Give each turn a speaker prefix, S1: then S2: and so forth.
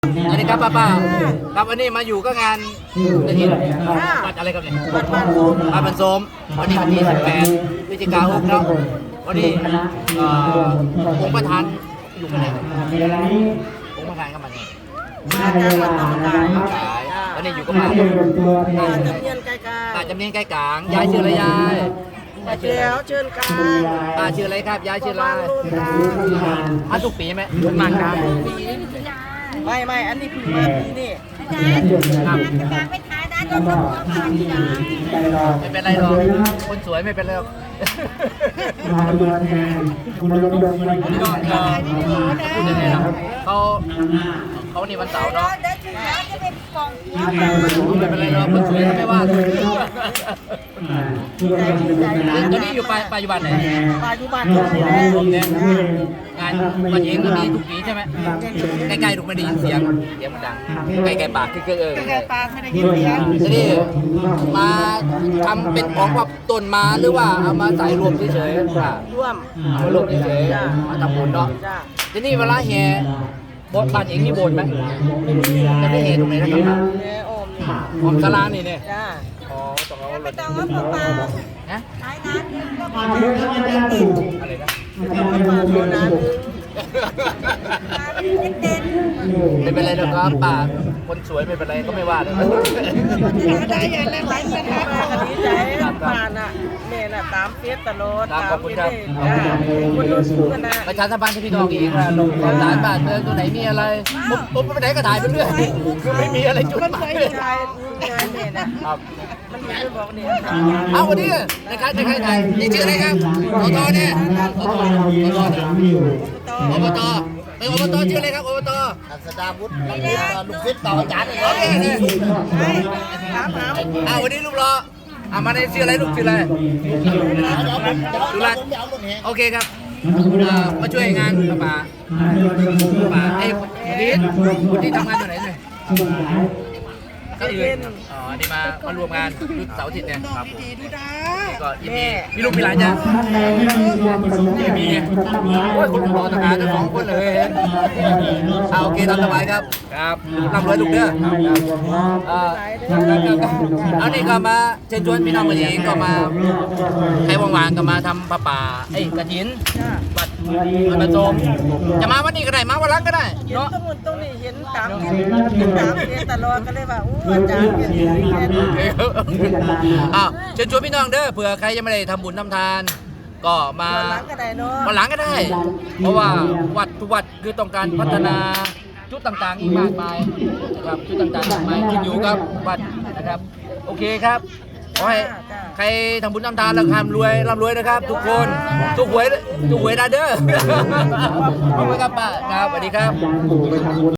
S1: สวัสดีครับป้าครับวันนี้มาอยู่ก็งานจะเห็นวัดอะไรครับเนี่ยวัดบ้านโสมวันนี้วันที่18 พฤศจิกายนเนาะวันนี้องค์ประธานอยู่ที่ไหนองค์ประธานเข้ามาเนี่ยวันนี้อยู่กับป้าจำเนียนไก่กลางจำเนียนไก่กลางยายชื่ออะไรยาย
S2: เดี๋ยวเชิญกลาง
S1: ป้าชื่ออะไรครับยายชื่ออะไรมาทุกปีไหมมากครับ
S2: ไม่อันนี้คือมาปีนี่
S1: ครับไม่เป็นไรหรอกคนสวยไม่เป็นไรหรอกเขานี่วันเสาร์เนาะไม่เป็นไรหรอกคนสวยไม่ว่าตอนนี้อยู่ปัจจุบันไหน
S2: ปัจจุบัน
S1: เนี่ยงานมันเองก็มีทุกปีใช่ไหมใกล้ๆถูกไม่ได้ยินเสียงมันดังใกล้ๆปากคือ
S2: ใกล้ปากไม่ได้ยินเสียง
S1: จะนี่มาทำเป็นของแบบต้นมาหรือว่าเอามาใส่รวมเฉยๆ
S2: ร่วม
S1: มารวมเฉยๆมาทำบุญเนาะจะนี่เวลาแห่บทบาทเองนี่บนไหมจะได้แห่ตรงไหนนะครับอมสลานี่เนี่ยอ๋อต้องเอา
S2: ไม่ต้องเอาปลา
S1: ฮะ
S2: ขายน้ำก็มา
S1: อะไรนะไม่เป็นไรนะครับป่าคนสวยไม่เป็นไรก็ไม่ว่าเลย
S2: ได้ยังไงไหลกันมากันนี้ใจผ่านอ่ะเมย์น่ะตามเฟซตลอด
S1: ขอบคุณครับ
S2: คนรู้สูงกันนะ
S1: ประชาสัมพันธ์ให้พี่น้องอีกนะลงร้านบ้านตัวไหนมีอะไรปุ๊บไปไหนก็ถ่ายไปเรื่อยคือไม่มีอะไรจุดหมายเลยครับ
S2: มันไม่ได้บอกเนี่ย
S1: เอาวันนี้นะครับจะใครถ่ายนี่ชื่ออะไรครับอบตเนี่ยอบตเป็นอบตชื่ออะไรครับอบต
S2: สดาวุฒิลูกศิษย์ต่ออาจารย์
S1: โอเคเลยวันนี้ลูกรอมาในชื่ออะไรลูกชื่ออะไรดูแลโอเคครับมาช่วยงานป่าไอ้วันนี้ทำงานอยู่ไหนเนี่ยก็อื่นอ๋อนี่มารวมงานยุทธเสาร์อาทิตย์เนี่ยครับก็ยินดีมีลูกมีหลานจ้ะยังมีโอ้ยคนรอทำงานทั้ง2 คนเลยโอเคตามสบายครับครับร่ำรวยลูกเด้อเอานี่ก็มาเชิญชวนพี่น้องมาเองก็มาใครว่างๆก็มาทำผ้าป่าไอ้กฐินวัดประโสมจะมาวันนี้ก็ได้มาวันหลังก็ได้
S2: เนาะตรงนี้เห็นตามเห็นตลอดก็เลยว่าอาจารย์เป็น
S1: เชิญชวนพี่น้องเด้อเผื่อใครยังไม่ได้ทำบุญทำทานก็มา
S2: วันหลังก็ได้เนาะ
S1: วันหลังก็ได้เพราะว่าวัดทุกวัดคือต้องการพัฒนาจุดต่างๆอีกมากมายนะครับจุดต่างๆมากมายขึ้นอยู่กับวัดนะครับโอเคครับขอให้ใครทำบุญทำทานแล้วร่ำรวยนะครับทุกคนทุกหวยได้เด้อขอบคุณครับป้าครับสวัสดีครับ